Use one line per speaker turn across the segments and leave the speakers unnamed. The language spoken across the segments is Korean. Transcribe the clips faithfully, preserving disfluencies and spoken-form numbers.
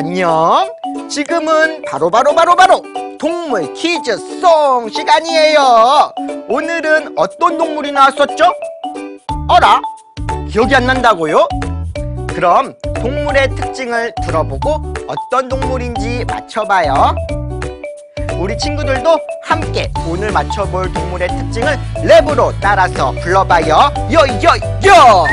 안녕. 지금은 바로바로 바로바로 동물 퀴즈 송 시간이에요. 오늘은 어떤 동물이 나왔었죠? 어라? 기억이 안 난다고요? 그럼 동물의 특징을 들어보고 어떤 동물인지 맞춰봐요. 우리 친구들도 함께 오늘 맞춰볼 동물의 특징을 랩으로 따라서 불러봐요. 요요요!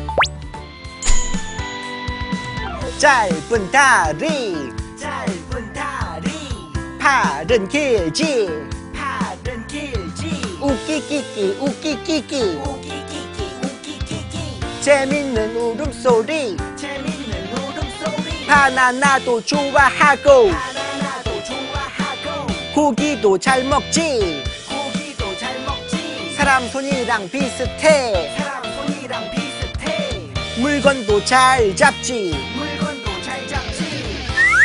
짧은 다리,
짧은 다리,
팔은 길지,
팔은 길지,
우끼끼끼 우끼끼끼,
우기기기 우기기기,
재밌는 울음소리,
재밌는 울음소리,
바나나도 좋아하고,
바나나도 좋아하고,
고기도 잘 먹지,
고기도 잘 먹지,
사람 손이랑 비슷해,
사람 손이랑 비슷해,
물건도 잘 잡지.
물건도 잘 잡지.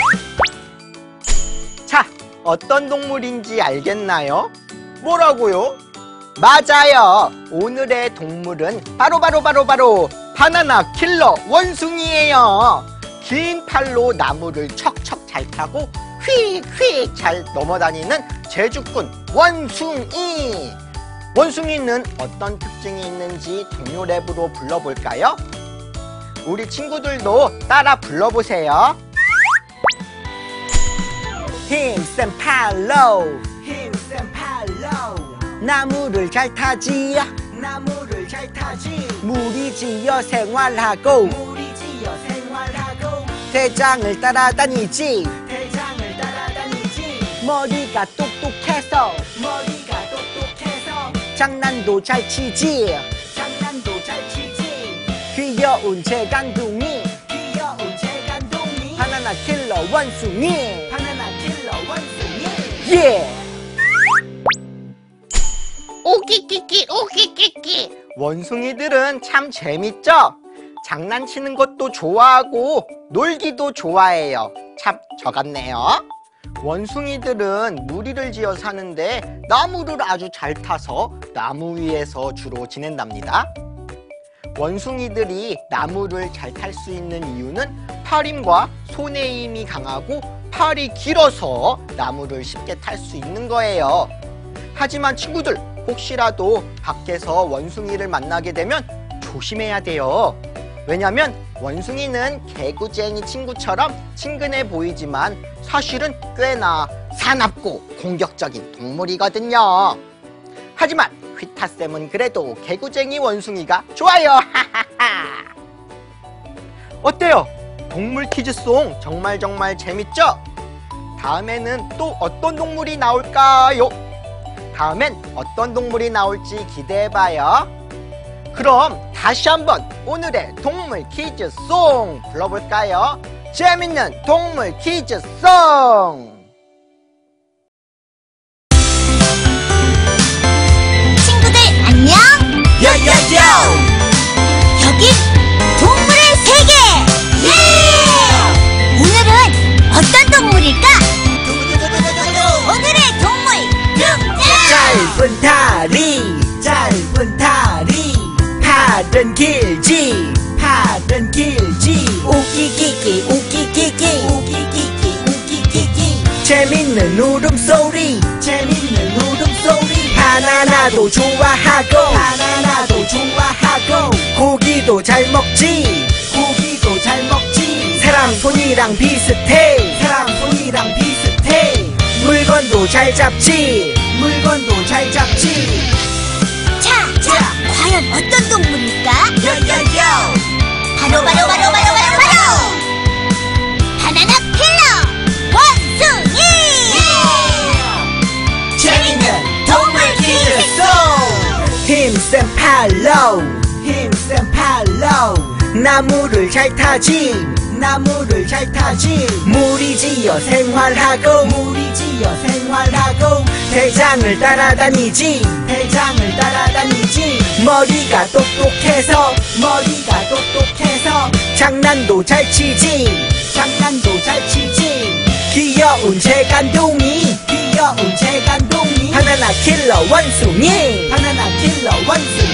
자, 어떤 동물인지 알겠나요? 뭐라고요? 맞아요. 오늘의 동물은 바로바로 바로바로 바나나 킬러 원숭이에요. 긴 팔로 나무를 척척 잘 타고 휙휙 잘 넘어다니는 제주꾼 원숭이. 원숭이는 어떤 특징이 있는지 동요 랩으로 불러볼까요? 우리 친구들도 따라 불러보세요. 힘센 팔로,
힘센 팔로,
나무를 잘 타지,
나무를 잘 타지,
무리 지어 생활하고,
무리 지어 생활하고,
대장을 따라다니지,
대장을 따라다니지,
머리가 똑똑해서
머리가 똑똑해서
장난도 잘 치지,
장난도 잘 치지,
귀여운 재간둥이
귀여운 재간둥이,
바나나 킬러 원숭이.
바나나 킬러 원숭이.
예!
오키키키 오키키키.
원숭이들은 참 재밌죠? 장난치는 것도 좋아하고 놀기도 좋아해요. 참 저 같네요. 원숭이들은 무리를 지어 사는데 나무를 아주 잘 타서 나무 위에서 주로 지낸답니다. 원숭이들이 나무를 잘 탈 수 있는 이유는 팔 힘과 손의 힘이 강하고 팔이 길어서 나무를 쉽게 탈 수 있는 거예요. 하지만 친구들, 혹시라도 밖에서 원숭이를 만나게 되면 조심해야 돼요. 왜냐면 원숭이는 개구쟁이 친구처럼 친근해 보이지만 사실은 꽤나 사납고 공격적인 동물이거든요. 하지만 휘타쌤은 그래도 개구쟁이 원숭이가 좋아요. 어때요? 동물 퀴즈송 정말 정말 재밌죠? 다음에는 또 어떤 동물이 나올까요? 다음엔 어떤 동물이 나올지 기대해봐요. 그럼 다시 한번 오늘의 동물 퀴즈송 불러볼까요? 재밌는 동물 퀴즈송!
친구들 안녕.
요요요.
여기 동물의 세계. 예! 오늘은 어떤 동물일까? 오늘의 동물 등장.
짧은 다리, 짧은 다리, 팔은 길지, 팔은 길지,
우기기기 우기기기
우기기기 우기기기,
재밌는 울음소리
재밌는 울음소리,
바나나도 좋아하고
바나나도 좋아하고,
고기도 잘 먹지
고기도 잘 먹지,
사람 손이랑 비슷해
사람 손이랑 비슷해,
물건도 잘 잡지
물건도 잘 잡지.
자, 자, 과연 어떤 동물일까?
요요요.
바로 바로 바로 바로 바로 바로 바나나 킬러 원숭이.
재밌는 동물 퀴즈송.
힘센 팔로
힘센 팔로,
나무를 잘 타지
나무를 잘 타지,
무리 지어 생활하고
무리 지어 생활하고,
대장을 따라다니지
대장을 따라다니지,
머리가 똑똑해서
머리가 똑똑해서
장난도 잘 치지
장난도 잘 치지,
귀여운 재간둥이
귀여운 재간둥이,
바나나 킬러 원숭이.
바나나 킬러 원숭이.